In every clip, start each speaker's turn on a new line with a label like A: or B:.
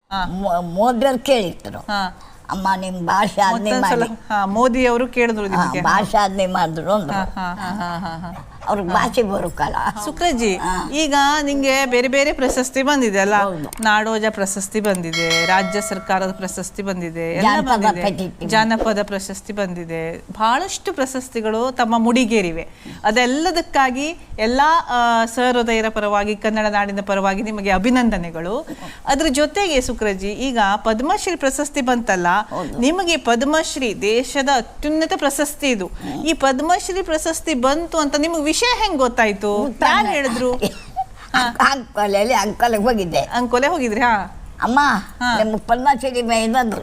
A: ಮೋದಿಯವ್ರು ಕೇಳಿದ್ರು, ಅಮ್ಮ ನಿಮ್ ಭಾಳ ಸಾಧನೆ ಮಾಡಿ.
B: ಮೋದಿ ಅವರು ಕೇಳಿದ್ರು
A: ಭಾಳ ಸಾಧನೆ ಮಾಡಿದ್ರು ಅಂದ್ರು. ಅವ್ರಿಗೆ ಭಾಷೆ ಬರುಕಲ್ಲ.
B: ಸುಕ್ರಜ್ಜಿ, ಈಗ ನಿಂಗೆ ಬೇರೆ ಬೇರೆ ಪ್ರಶಸ್ತಿ ಬಂದಿದೆ ಅಲ್ಲ? ನಾಡೋಜ ಪ್ರಶಸ್ತಿ ಬಂದಿದೆ, ರಾಜ್ಯ ಸರ್ಕಾರದ ಪ್ರಶಸ್ತಿ ಬಂದಿದೆ, ಜಾನಪದ ಪ್ರಶಸ್ತಿ ಬಂದಿದೆ, ಬಹಳಷ್ಟು ಪ್ರಶಸ್ತಿಗಳು ತಮ್ಮ ಮುಡಿಗೇರಿವೆ. ಅದೆಲ್ಲದಕ್ಕಾಗಿ ಎಲ್ಲಾ ಸಹೃದಯರ ಪರವಾಗಿ, ಕನ್ನಡ ನಾಡಿನ ಪರವಾಗಿ ನಿಮಗೆ ಅಭಿನಂದನೆಗಳು. ಅದ್ರ ಜೊತೆಗೆ ಸುಕ್ರಜ್ಜಿ, ಈಗ ಪದ್ಮಶ್ರೀ ಪ್ರಶಸ್ತಿ ಬಂತಲ್ಲ, ನಿಮಗೆ ಪದ್ಮಶ್ರೀ ದೇಶದ ಅತ್ಯುನ್ನತ ಪ್ರಶಸ್ತಿ ಇದು. ಈ ಪದ್ಮಶ್ರೀ ಪ್ರಶಸ್ತಿ ಬಂತು ಅಂತ ನಿಮಗೆ ವಿಷಯ ಹೆಂಗ್ ಗೊತ್ತಾಯ್ತು? ಯಾರು ಹೇಳಿದ್ರು?
A: ಅಂಕೋಲೆ ಹೋಗಿದ್ದೆ.
B: ಅಂಕೋಲೆ ಹೋಗಿದ್ರಿ?
A: ಅಮ್ಮ ನಿಮ್ಗೆ ಪದ್ಮಶ್ರೀ ಬಂದ್ರು,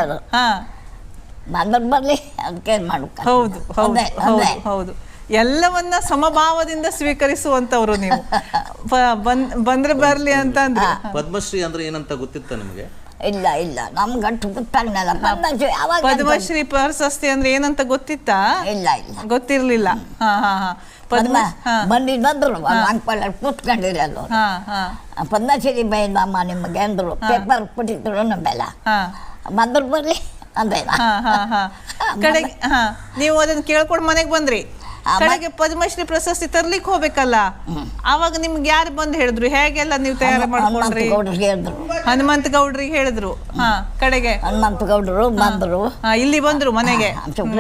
A: ಬಂದ್ರ ಬರ್ಲಿ ಅದಕ್ಕೆ ಮಾಡ್ಕ.
B: ಹೌದು ಹೌದು ಹೌದು, ಎಲ್ಲವನ್ನ ಸಮಭಾವದಿಂದ ಸ್ವೀಕರಿಸುವಂತವ್ರು ನೀವು. ಬಂದ್ರೆ ಬರ್ಲಿ ಅಂತ ಅಂದ್ರೆ.
C: ಪದ್ಮಶ್ರೀ ಅಂದ್ರೆ ಏನಂತ ಗೊತ್ತಿತ್ತ ನಿಮಗೆ?
A: ಇಲ್ಲ ಇಲ್ಲ, ನಮ್ಗೆ ಅಷ್ಟು ಗೊತ್ತಾಗ್ನಲ್ಲ.
B: ಪದ್ಮಶ್ರೀ ಪ್ರಶಸ್ತಿ ಅಂದ್ರೆ ಏನಂತ ಗೊತ್ತಿತ್ತಾ?
A: ಇಲ್ಲ ಇಲ್ಲ,
B: ಗೊತ್ತಿರ್ಲಿಲ್ಲ.
A: ಬಂದಿದ್ರು ಅಂಕಲ್ ಕೂತ್ಕೊಂಡಿರಲ್ಲ. ಪದ್ಮಶ್ರೀ ಬೈದಮ್ಮ ನಿಮಗೆ ಅಂದ್ರು, ಪೇಪರ್ ಕೊಟ್ಟಿದ್ರು ನಮ್ಮೆಲ್ಲ. ಬಂದ್ರು ಬರ್ಲಿ ಅಂದೇನ.
B: ಕಡೆಗೆ ನೀವು ಅದನ್ನ ಕೇಳ್ಕೊಂಡು ಮನೆಗೆ ಬಂದ್ರಿ. ಕಡೆಗೆ ಪದ್ಮಶ್ರೀ ಪ್ರಶಸ್ತಿ ತರ್ಲಿಕ್ಕೆ ಹೋಗ್ಬೇಕಲ್ಲ, ಅವಾಗ ನಿಮ್ಗೆ ಯಾರು ಬಂದು ಹೇಳಿದ್ರು? ಹೇಗೆಲ್ಲ ನೀವು ತಯಾರಿ ಮಾಡ್ಕೊಂಡ್ರಿ? ಹನುಮಂತ ಗೌಡ್ರಿಗೆ ಹೇಳಿದ್ರು. ಕಡೆಗೆ
A: ಹನುಮಂತ ಗೌಡ್ರು ಬಂದ್ರು,
B: ಇಲ್ಲಿ ಬಂದ್ರು ಮನೆಗೆ.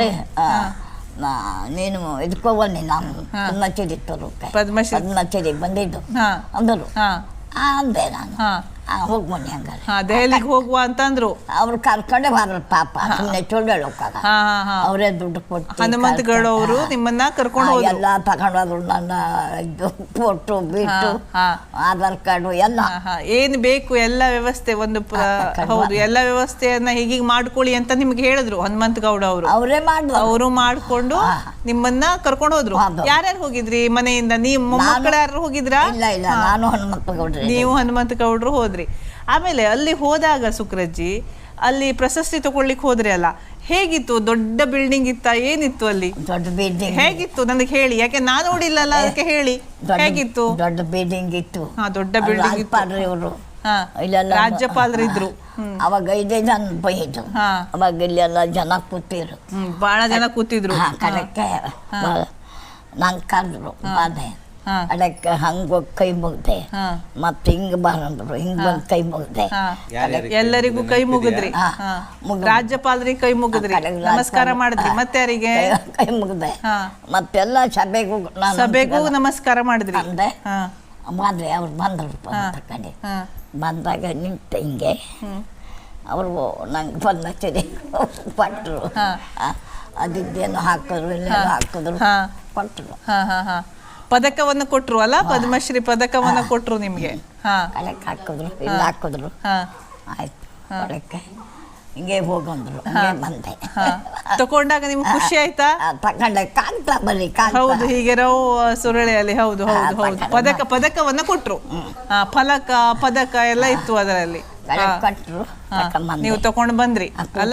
A: ನೀನು ಇದಕ್ಕೋಗಿ ನಾನು ಪದ್ಮಶ್ರೀ ತರೋಕೆ, ಪದ್ಮಶ್ರೀ ಬಂದಿದ್ದು ಅಂದರು. ಅಂದೆ ನಾನು, ಹೋಗಿ ಬನ್ನಿ ಹಂಗಾರೆ
B: ದೆಹಲಿಗೆ ಹೋಗುವ ಅಂತಂದ್ರು.
A: ಅವ್ರು ಕರ್ಕೊಂಡೆ ಬಾರ ಪಾಪ, ಸುಮ್ಮನೆ ಚೊಳ್ಳೆಳೋಕಾಗ ಅವರೇ ದುಡ್ಡು ಕೊಟ್ಟು.
B: ಹನುಮಂತ ಗೌಡ ಅವರು ನಿಮ್ಮನ್ನ ಕರ್ಕೊಂಡು
A: ಎಲ್ಲ ತಗೊಂಡೋದ್ರು. ನನ್ನ ಇದು ಫೋಟೋ ಬಿಟ್ಟು ಆಧಾರ್ ಕಾರ್ಡು ಎಲ್ಲ
B: ಏನ್ ಬೇಕು ಎಲ್ಲ ವ್ಯವಸ್ಥೆ, ಒಂದು ಹೌದು ಎಲ್ಲ ವ್ಯವಸ್ಥೆಯನ್ನ ಹೀಗೀಗ ಮಾಡ್ಕೊಳ್ಳಿ ಅಂತ ನಿಮ್ಗೆ ಹೇಳಿದ್ರು ಹನುಮಂತ ಗೌಡ ಅವರು.
A: ಅವರೇ ಮಾಡಿದ್ರು.
B: ಅವರು ಮಾಡ್ಕೊಂಡು ನಿಮ್ಮನ್ನ ಕರ್ಕೊಂಡು ಹೋದ್ರು. ಯಾರ್ಯಾರು ಹೋಗಿದ್ರಿ ಮನೆಯಿಂದ? ನೀವು ಮೊಮ್ಮಕ್ಕಳು ಯಾರು ಹೋಗಿದ್ರಾ?
A: ಇಲ್ಲ ಇಲ್ಲ, ನಾನು ಹನುಮಂತ ಗೌಡ್ರಿ.
B: ನೀವು ಹನುಮಂತ ಗೌಡ್ರು ಹೋದ್ರಿ. ಆಮೇಲೆ ಅಲ್ಲಿ ಹೋದಾಗ ಸುಕ್ರಜ್ಜಿ, ಅಲ್ಲಿ ಪ್ರಶಸ್ತಿ ತಗೊಳ್ಳಿಕ್ ಹೋದ್ರಿ ಅಲ್ಲ, ಹೇಗಿತ್ತು? ದೊಡ್ಡ ಬಿಲ್ಡಿಂಗ್ ಇತ್ತ? ಏನಿತ್ತು ಅಲ್ಲಿ?
A: ದೊಡ್ಡ ಬಿಲ್ಡಿಂಗ್
B: ಹೇಗಿತ್ತು ನನಗೆ ಹೇಳಿ, ಯಾಕೆ ನಾನು ನೋಡಿಲ್ಲಲ್ಲ, ಅದಕ್ಕೆ ಹೇಳಿ ಹೇಗಿತ್ತು?
A: ದೊಡ್ಡ ಬಿಲ್ಡಿಂಗ್ ಇತ್ತು.
B: ದೊಡ್ಡ ಬಿಲ್ಡಿಂಗ್ ಇತ್ತು.
A: ಇವರು
B: ರಾಜ್ಯಪಾಲರು ಇದ್ರು.
A: ಅವಾಗ 5 ಜನ ಬೈದ್ರು. ಅವಾಗ ಇಲ್ಲೆಲ್ಲ ಜನ ಕೂತಿರು,
B: ಬಹಳ ಜನ ಕೂತಿದ್ರು.
A: ಕಡೆಕ್ಕೆ ನಂಗೆ ಕರೆದ್ರು, ಬಾದೆ ಅದಕ್ಕೆ ಹಂಗ ಕೈ ಮುಗ್ದೆ, ಮತ್ತೆ ಹಿಂಗ ಬಾರಂದ್ರು, ಹಿಂಗ ಬಂದ್ ಕೈ ಮುಗ್ದೆ.
B: ಎಲ್ಲರಿಗೂ ಕೈ ಮುಗಿದ್ರಿ? ರಾಜ್ಯಪಾಲರಿಗೆ ಕೈ ಮುಗಿದ್ರಿ, ನಮಸ್ಕಾರ ಮಾಡಿದ್ರಿ? ಮತ್ತೆ ಯಾರಿಗೆ
A: ಕೈ ಮುಗ್ದೆ? ಮತ್ತೆಲ್ಲ ಸಭೆಗೂ
B: ನಮಸ್ಕಾರ ಮಾಡಿದ್ರಿ?
A: ಬಂದ್ರೆ ಅವ್ರು ಬಂದ್ರು. ಕಡೆ ಬಂದಾಗ ನಿಂತ ಹಿಂಗೆ ಅವರು ನಂಗೆ ಪದ್ಮಶ್ರೀ ಕೊಟ್ಟರು. ಅದಿದ್ದೇನು ಹಾಕಿದ್ರು, ಇಲ್ಲೇನು ಹಾಕಿದ್ರು, ಕೊಟ್ಟರು.
B: ಪದಕವನ್ನು ಕೊಟ್ರು ಅಲ್ಲ, ಪದ್ಮಶ್ರೀ ಪದಕವನ್ನ ಕೊಟ್ರು ನಿಮ್ಗೆ.
A: ಕಲೆಕ್ ಹಾಕಿದ್ರು, ಇಲ್ಲಿ ಹಾಕಿದ್ರು. ಆಯ್ತು, ಕಲೆಕ್ಕೆ ಹಿಂಗೆ ಹೋಗಂದ್ರು, ಬಂದೆ.
B: ತಕೊಂಡಾಗ ನಿಮ್ಗೆ ಖುಷಿ ಆಯ್ತಾ?
A: ತಕೊಂಡೆ ಕಾಣ್ತಾ ಬರೀ.
B: ಹೌದು, ಹೀಗೆ ರವ್ ಸುರಳಿಯಲ್ಲಿ. ಹೌದು ಹೌದು ಹೌದು, ಪದಕವನ್ನ ಕೊಟ್ರು. ಫಲಕ ಪದಕ ಎಲ್ಲ ಇತ್ತು ಅದರಲ್ಲಿ.
A: ಕೊಟ್ರು,
B: ನೀವು ತಕೊಂಡ್ ಬಂದ್ರಿ ಅಲ್ಲ?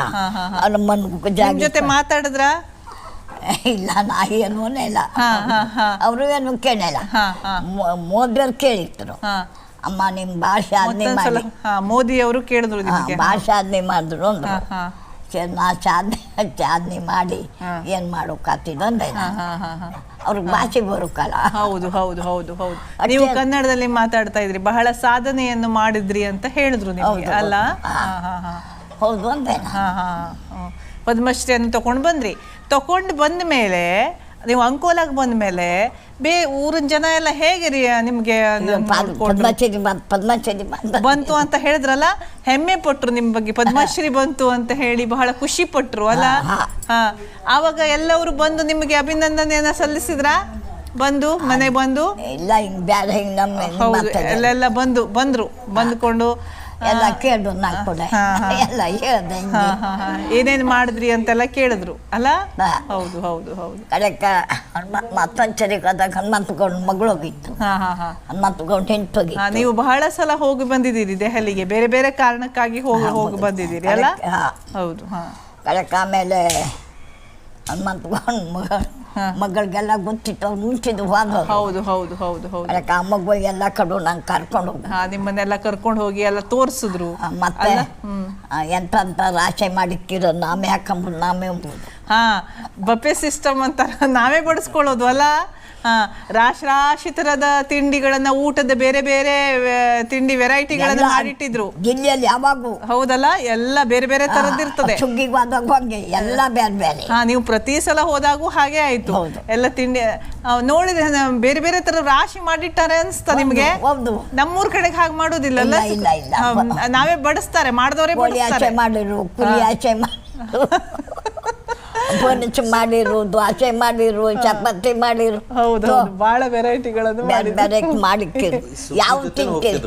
B: ನಿಮ್ ಜೊತೆ ಮಾತಾಡಿದ್ರ?
A: ಇಲ್ಲ, ನಾ ಏನೂ ಇಲ್ಲ, ಅವರು ಏನು ಕೇಳಿಲ್ಲ. ಮೋದಿಯವ್ರು ಕೇಳಿದ್ರು, ಅಮ್ಮ ನಿಮ್ ಭಾಳ ಸಾಧನೆ ಮಾಡಿ.
B: ಮೋದಿ ಅವರು ಕೇಳಿದ್ರು,
A: ಭಾಳ ಸಾಧನೆ ಮಾಡಿದ್ರು ಅಂದ್ರು. ನಾ ಸಾಧನೆ ಮಾಡಿ ಏನ್ ಮಾಡೋಕಾತಿದ್ ಅಂದೆ. ಅವ್ರಿಗೆ ಭಾಷೆ ಬರುಕಲ್ಲ.
B: ಹೌದು ಹೌದು ಹೌದು ಹೌದು, ನೀವು ಕನ್ನಡದಲ್ಲಿ ಮಾತಾಡ್ತಾ ಇದ್ರಿ, ಬಹಳ ಸಾಧನೆಯನ್ನು ಮಾಡಿದ್ರಿ ಅಂತ ಹೇಳಿದ್ರು ನಿಮ್ಗೆ ಅಲ್ಲ?
A: ಹೌದು ಅಂದೆ.
B: ಪದ್ಮಶ್ರೀಯನ್ನು ತಗೊಂಡು ಬಂದ್ರಿ. ತಗೊಂಡು ಬಂದ ಮೇಲೆ ನೀವು ಅಂಕೋಲಾಗ ಬಂದ ಮೇಲೆ ಊರಿನ ಜನ ಎಲ್ಲ ಹೇಗೆ ರೀ ನಿಮ್ಗೆ
A: ಪದ್ಮಶ್ರೀ
B: ಬಂತು ಅಂತ ಹೇಳಿದ್ರಲ್ಲ, ಹೆಮ್ಮೆ ಪಟ್ರು ನಿಮ್ ಬಗ್ಗೆ? ಪದ್ಮಶ್ರೀ ಬಂತು ಅಂತ ಹೇಳಿ ಬಹಳ ಖುಷಿ ಪಟ್ರು ಅಲ್ಲ? ಆವಾಗ ಎಲ್ಲವರು ಬಂದು ನಿಮಗೆ ಅಭಿನಂದನೆಯನ್ನ ಸಲ್ಲಿಸಿದ್ರ? ಬಂದು ಮನೆಗೆ ಬಂದು
A: ಇಲ್ಲ, ಹಿಂಗ್ ಬ್ಯಾಡ, ಹಿಂಗ್ ನಮ್ಮ
B: ಎಲ್ಲೆಲ್ಲ ಬಂದ್ರು, ಬಂದ್ಕೊಂಡು
A: ಎಲ್ಲ ಕೇಳಿದ್ರು. ನಾನು ಕೂಡ ಎಲ್ಲ ಹೇಳ್ದೆ,
B: ಏನೇನ್ ಮಾಡಿದ್ರಿ ಅಂತೆಲ್ಲ ಕೇಳಿದ್ರು ಅಲ್ಲ? ಹೌದು ಹೌದು ಹೌದು.
A: ಅದಕ್ಕೆ ಮತ್ತೊಂದ್ಸರಿ ಹೋದಾಗ ಹನುಮಂತ ಗೌಡ ಮಗಳು ಹೋಗಿತ್ತು. ಹನುಮಂತ ಗೌಡ ಹೆಂಟೋಗಿ.
B: ನೀವು ಬಹಳ ಸಲ ಹೋಗಿ ಬಂದಿದ್ದೀರಿ ದೆಹಲಿಗೆ, ಬೇರೆ ಬೇರೆ ಕಾರಣಕ್ಕಾಗಿ ಹೋಗಿ ಬಂದಿದ್ದೀರಿ ಅಲ್ಲ? ಹೌದು.
A: ಅದಕ್ಕೆ ಆಮೇಲೆ ಹನುಮಂತ ಮಗಳಿಗೆಲ್ಲ ಗೊತ್ತಿತ್ತು ಅವ್ರು ಮುಂಚಿದ್ದು ಹೋದ.
B: ಹೌದು ಹೌದು ಹೌದು ಹೌದು.
A: ಅದಕ್ಕೆ ಆ ಮಗು ಎಲ್ಲ ಕಡೆ ನಂಗೆ ಕರ್ಕೊಂಡು ಹೋಗ.
B: ನಿಮ್ಮನ್ನೆಲ್ಲ ಕರ್ಕೊಂಡು ಹೋಗಿ ಎಲ್ಲ ತೋರಿಸಿದ್ರು.
A: ಮತ್ತೆ ಎಂತ ರಾಶಿ ಮಾಡಿಕ್ಕಿರೋ ನಾಮೇ ಹಾಕೊಂಬುದು ನಾಮೇ ಉಂಬುದು.
B: ಬಫೆ ಸಿಸ್ಟಮ್ ಅಂತ ನಾವೇ ಬಡಿಸ್ಕೊಳ್ಳೋದು ಅಲ್ಲ. ರಾಶಿ ತರದ ತಿಂಡಿಗಳನ್ನ, ಊಟದ ಬೇರೆ ಬೇರೆ ತಿಂಡಿ ವೆರೈಟಿಗಳನ್ನ ಮಾಡಿಟ್ಟಿದ್ರು
A: ಜಿಲ್ಲೆಯಲ್ಲಿ ಯಾವಾಗೂ.
B: ಹೌದಲ್ಲ, ಎಲ್ಲ ಬೇರೆ ಬೇರೆ ತರದಿರ್ತದೆ.
A: ಸುಗ್ಗಿಗೆ ಹೋದಾಗ ಹೋಗಿ ಎಲ್ಲ ಬೇರೆ ಬೇರೆ.
B: ನೀವು ಪ್ರತಿ ಸಲ ಹೋದಾಗೂ ಹಾಗೆ ಆಯ್ತು. ಎಲ್ಲ ತಿಂಡಿ ನೋಡಿದ್ರೆ ಬೇರೆ ಬೇರೆ ತರ ರಾಶಿ ಮಾಡಿಟ್ಟಾರೆ ಅನ್ಸ್ತಾ ನಿಮ್ಗೆ? ನಮ್ಮೂರ್ ಕಡೆಗೆ ಹಾಗೆ ಮಾಡೋದಿಲ್ಲಲ್ಲ. ನಾವೇ ಬಡಿಸ್ತಾರೆ, ಮಾಡಿದವರೇ ಬಡಿಸ್ತಾರೆ.
A: ಮಾಡಿರು, ಕುರಿ ಆಚೆ ಪೊನಿಚ್ ಮಾಡಿರು, ದ್ವಾಸೆ ಮಾಡಿರು, ಚಪಾತಿ ಮಾಡಿರು.
B: ಹೌದು, ಬಹಳ ವೆರೈಟಿಗಳನ್ನು
A: ಮಾಡಿಕ್ಕಿರು. ಯಾವ ತಿಂತೀರಿ?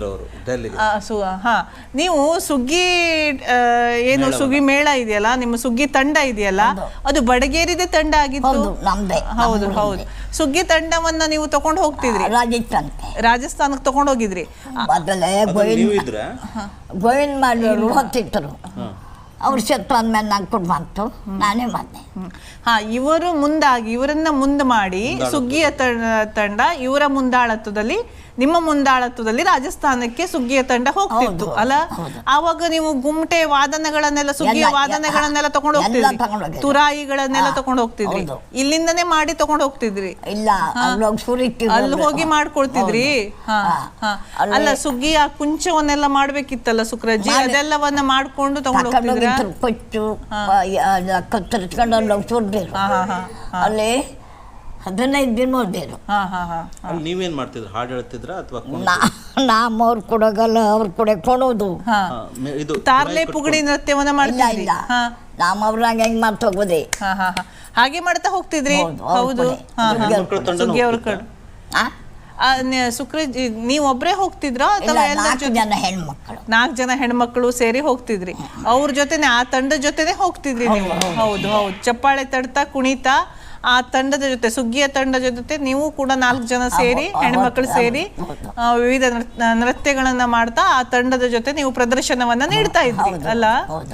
B: ನೀವು ಸುಗ್ಗಿ ಏನು ಸುಗ್ಗಿ ಮೇಳ ಇದೆಯಲ್ಲ, ನಿಮ್ಮ ಸುಗ್ಗಿ ತಂಡ ಇದೆಯಲ್ಲ, ಅದು ಬಡಗೇರಿದೆ ತಂಡ ಆಗಿತ್ತು.
A: ನಮ್ದೇ.
B: ಹೌದು ಹೌದು. ಸುಗ್ಗಿ ತಂಡವನ್ನ ನೀವು ತಗೊಂಡು ಹೋಗ್ತಿದ್ರಿ ರಾಜಸ್ಥಾನಕ್ಕೆ ತಗೊಂಡು ಹೋಗಿದ್ರಿ.
A: ಮೊದಲೇ ಗೋವಿಂದ ಮಾಡಿರು ಹೊತ್ತಿಟ್ಟರು. ಅವ್ರ ಸತ್ತು ಅಂದ್ಮೇಲೆ ನಾನು ಕೊಟ್ಟು ಬಂತು, ನಾನೇ ಬಂದೆ.
B: ಇವರು ಮುಂದಾಗಿ ಇವರನ್ನ ಮುಂದೆ ಮಾಡಿ ಸುಗ್ಗಿಯ ತಂಡ ಇವರ ಮುಂದಾಳತ್ವದಲ್ಲಿ, ನಿಮ್ಮ ಮುಂದಾಳತ್ವದಲ್ಲಿ ರಾಜಸ್ಥಾನಕ್ಕೆ ಸುಗ್ಗಿಯ ತಂಡ ಹೋಗ್ತಿತ್ತು ಅಲ್ಲ. ಆವಾಗ ನೀವು ಗುಮ್ಟೆ ವಾದನಗಳನ್ನೆಲ್ಲ, ಸುಗ್ಗಿಯ ವಾದನಗಳನ್ನೆಲ್ಲ ತಗೊಂಡು ಹೋಗ್ತಿದ್ರಿ, ತುರಾಯಿಗಳನ್ನೆಲ್ಲ ತಗೊಂಡು ಹೋಗ್ತಿದ್ರಿ, ಇಲ್ಲಿಂದನೇ ಮಾಡಿ ತಗೊಂಡು ಹೋಗ್ತಿದ್ರಿ.
A: ಇಲ್ಲ,
B: ಅಲ್ಲಿ ಹೋಗಿ ಮಾಡ್ಕೊಳ್ತಿದ್ರಿ. ಅಲ್ಲ, ಸುಗ್ಗಿಯ ಕುಂಚವನ್ನೆಲ್ಲ ಮಾಡ್ಬೇಕಿತ್ತಲ್ಲ ಸುಕ್ರಜ್ಜಿ, ಅದೆಲ್ಲವನ್ನ ಮಾಡ್ಕೊಂಡು ತಗೊಂಡು ಹೋಗ್ತಿದ್ರಿ.
A: ಕೊಚ್ಚು ಕತ್ತರಿಸ್ಕೊಂಡು ಸುರ್ದಿರು. ಅಲ್ಲಿ 15 ದಿನ ಹೋದೇರು.
C: ನೀವೇನ್ ಮಾಡ್ತಿದ್ರು? ಹಾಡು ಹೇಳ್ತಿದ್ರ ಅಥವಾ
A: ಅವ್ರು ಕೊಡೋಗಲ್ಲ, ಅವ್ರ ಕೂಡ ಕೊಡೋದು.
B: ತಾರ್ಲೆ ಪುಗಡಿ ನೃತ್ಯವನ್ನ ಮಾಡ್ತಿದ್ರಿ.
A: ನಾವು ಅವ್ರಾಗ ಹೆಂಗ್ ಮಾಡ್ತಾ ಹೋಗೋದೆ,
B: ಹಾಗೆ ಮಾಡ್ತಾ ಹೋಗ್ತಿದ್ರಿ. ಹೌದು, ಸುಗ್ಗಿ ಅವ್ರ ಕಡೆ. ಸುಕ್ರಜ್ಜಿ ನೀವು ಒಬ್ರೇ ಹೋಗ್ತಿದ್ರ ಅಥವಾ 4 ಜನ ಹೆಣ್ಮಕ್ಳು ಸೇರಿ ಹೋಗ್ತಿದ್ರಿ? ಅವ್ರ ಜೊತೆನೆ, ಆ ತಂಡದ ಜೊತೆನೆ ಹೋಗ್ತಿದ್ರಿ ನೀವು? ಹೌದು ಹೌದು. ಚಪ್ಪಾಳೆ ತಡ್ತಾ ಕುಣಿತಾ ಆ ತಂಡದ ಜೊತೆ, ಸುಗ್ಗಿಯ ತಂಡದ ಜೊತೆ ನೀವು ಕೂಡ 4 ಜನ ಸೇರಿ, ಹೆಣ್ಮಕ್ಳು ಸೇರಿ ವಿವಿಧ ನೃತ್ಯಗಳನ್ನ ಮಾಡ್ತಾ ಆ ತಂಡದ ಜೊತೆ ನೀವು ಪ್ರದರ್ಶನವನ್ನ ನೀಡ್ತಾ ಇದ್ರಿ ಅಲ್ಲ?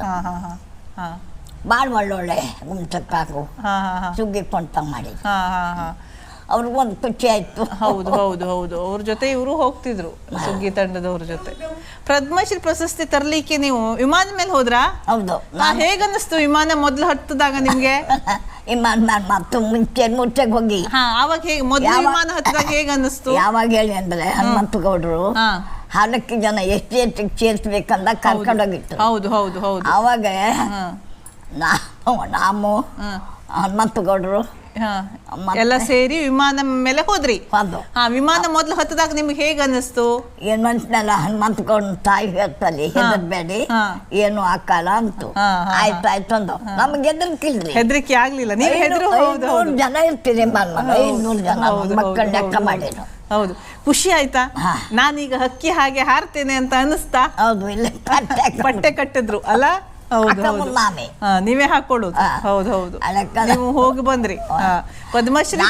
A: ಬಾಳ ಒಳ್ಳೊಳ್ಳೆ ಗುಮ್ಚಕ್ಕಾಗು ಸುಗ್ಗಿ ಕೊಂತ ಮಾಡಿ ಅವ್ರಿಗೊಂದು ಖುಷಿ ಆಯ್ತು.
B: ಹೌದು ಹೌದು ಹೌದು. ಅವ್ರ ಜೊತೆ ಇವರು ಹೋಗ್ತಿದ್ರು, ಸುಗ್ಗಿ ತಂಡದವ್ರ ಜೊತೆ. ಪದ್ಮಶ್ರೀ ಪ್ರಶಸ್ತಿ ತರ್ಲಿಕ್ಕೆ ನೀವು ವಿಮಾನದ ಮೇಲೆ ಹೋದ್ರಾ?
A: ಹೌದು.
B: ಹೇಗನ್ನಿಸ್ತು ವಿಮಾನ ಮೊದ್ಲು ಹತ್ತದಾಗ ನಿಮ್ಗೆ?
A: ವಿಮಾನ ಮತ್ತು ಮುಂಚೆಗೆ ಹೋಗಿ
B: ಅವಾಗ ಹೇಗೆ ಮೊದ್ಲು ವಿಮಾನ ಹತ್ತಿದಾಗ ಹೇಗ ಅನ್ನಿಸ್ತು?
A: ಯಾವಾಗ ಹೇಳಿ ಅಂದ್ರೆ, ಹನುಮಂತ ಗೌಡರು 4 ಜನ ಎಷ್ಟು ಸೇರ್ಸ್ಬೇಕಂದ ಕರ್ಕೊಂಡೋಗಿತ್ತು.
B: ಹೌದು ಹೌದು ಹೌದು.
A: ಅವಾಗ ನಾವು ಹನುಮಂತ ಗೌಡರು
B: ಎಲ್ಲ ಸೇರಿ ವಿಮಾನ ಮೇಲೆ ಹೋದ್ರಿ. ವಿಮಾನ ಮೊದ್ಲು ಹತ್ತದಾಗ ನಿಮ್ಗೆ ಹೇಗ ಅನ್ನಿಸ್ತು?
A: ಏನ್ ಮನ್ಸಿನಲ್ಲ, ಹನುಮಂತ ಗೌಡ ತಾಯಿ ಹೇಳ್ತಲ್ಲಿ ಹೆದರ್ಬೇಡಿ, ಏನು ಹಾಕಲ್ಲ ಅಂತು. ಆಯ್ತಾಯ್ತು ಅಂದು. ನಮ್ಗೆ
B: ಹೆದರಿಕೆ ಆಗ್ಲಿಲ್ಲ. ನೀವು
A: 500 ಜನ ಇರ್ತೀರಿ, 500 ಜನ ಮಕ್ಕಳ ಲೆಕ್ಕ ಮಾಡಿದ್ರು.
B: ಹೌದು. ಖುಷಿ ಆಯ್ತಾ? ನಾನೀಗ ಹಕ್ಕಿ ಹಾಗೆ ಹಾರ್ತೇನೆ ಅಂತ ಅನ್ನಿಸ್ತಾ?
A: ಹೌದು. ಇಲ್ಲ,
B: ಪಟ್ಟೆ ಕಟ್ಟಿದ್ರು ಅಲ್ಲ? ನೀವೇ ಹಾಕೊಳ್ಳೋದು? ಹೌದು ಹೌದು. ನೀವು ಹೋಗಿ ಬಂದ್ರಿ ಪದ್ಮಶ್ರೀ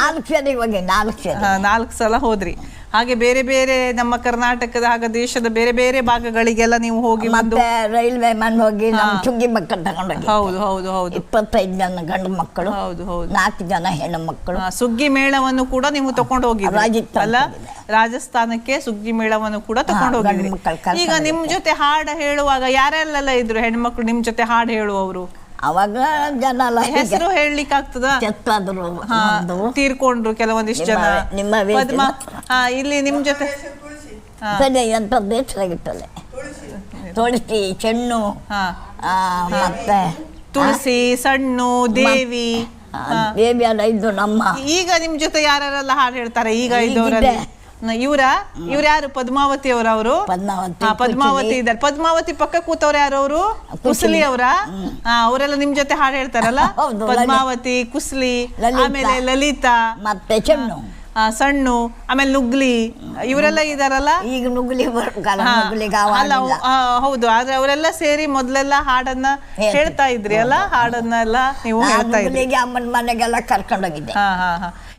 A: 4
B: ಸಲ ಹೋದ್ರಿ. ಹಾಗೆ ಬೇರೆ ಬೇರೆ ನಮ್ಮ ಕರ್ನಾಟಕದ ಹಾಗೆ ದೇಶದ ಬೇರೆ ಬೇರೆ ಭಾಗಗಳಿಗೆಲ್ಲ ನೀವು ಹೋಗಿ ಬಂದು,
A: ರೈಲ್ವೆ ಮನ್ ಹೋಗಿ ಸುಗ್ಗಿ ಮಕ್ಕಳು ತಗೊಂಡೋಗಿ.
B: ಹೌದು ಹೌದು ಹೌದು.
A: 25 ಜನ ಗಂಡು ಮಕ್ಕಳು,
B: ಹೌದು ಹೌದು,
A: 4 ಜನ ಹೆಣ್ಣು ಮಕ್ಕಳು.
B: ಸುಗ್ಗಿ ಮೇಳವನ್ನು ಕೂಡ ನೀವು ತಕೊಂಡು ಹೋಗಿದ್ರಿ ಅಲ್ಲ? ರಾಜಸ್ಥಾನಕ್ಕೆ ಸುಗ್ಗಿ ಮೇಳವನ್ನು ಕೂಡ ತಕೊಂಡು ಹೋಗಿದ್ರಿ. ಈಗ ನಿಮ್ ಜೊತೆ ಹಾಡು ಹೇಳುವಾಗ ಯಾರೆಲ್ಲ ಇದ್ರು ಹೆಣ್ಮಕ್ಳು ನಿಮ್ ಜೊತೆ ಹಾಡು ಹೇಳುವವರು?
A: ಅವಾಗ ಜನ
B: ಹೆಸರು ಹೇಳಲಿಕ್ಕೆ ಆಗ್ತದ? ತೀರ್ಕೊಂಡ್ರು ಕೆಲವೊಂದಿಷ್ಟು ಜನ. ಇಲ್ಲಿ ನಿಮ್ ಜೊತೆ
A: ಎಂತದ್ದು ಹೆಸರಾಗಿತ್ತಲ್ಲ, ತುಳಸಿ, ಚೆನ್ನು, ಮತ್ತೆ
B: ತುಳಸಿ, ಸಣ್ಣು, ದೇವಿ
A: ಎಲ್ಲ ಇದ್ದು ನಮ್ಮ.
B: ಈಗ ನಿಮ್ ಜೊತೆ ಯಾರೆಲ್ಲ ಹಾಡು ಹೇಳ್ತಾರೆ ಈಗ ಇದ್ದವರಲ್ಲಿ? ಇವ್ರ ಯಾರು? ಪದ್ಮಾವತಿ ಅವರು ಪದ್ಮಾವತಿ ಇದ್ದಾರೆ. ಪದ್ಮಾವತಿ ಪಕ್ಕ ಕೂತವ್ರ ಯಾರು? ಅವರು ಕುಸ್ಲಿ ಅವರ? ಅವರೆಲ್ಲ ನಿಮ್ ಜೊತೆ ಹಾಡು ಹೇಳ್ತಾರಲ್ಲ? ಪದ್ಮಾವತಿ, ಕುಸ್ಲಿ, ಆಮೇಲೆ ಲಲಿತಾ,
A: ಮತ್ತೆ ಚೆನ್ನು,
B: ಸಣ್ಣು, ಆಮೇಲೆ ನುಗ್ಲಿ, ಇವರೆಲ್ಲ ಇದಾರಲ್ಲ?
A: ಈಗ ನುಗ್ಲಿ
B: ಅಲ್ಲ, ಹೌದು. ಆದ್ರೆ ಅವರೆಲ್ಲ ಸೇರಿ ಮೊದ್ಲೆಲ್ಲ ಹಾಡನ್ನ ಹೇಳ್ತಾ ಇದ್ರಿ ಅಲ್ಲ? ಹಾಡನ್ನೆಲ್ಲ ನೀವು ಹೇಳ್ತಾ ಇದ್ರಿ.
A: ಅಮ್ಮನ ಮನೆಗೆಲ್ಲ ಕರ್ಕೊಂಡೋಗಿದ್ದೆ.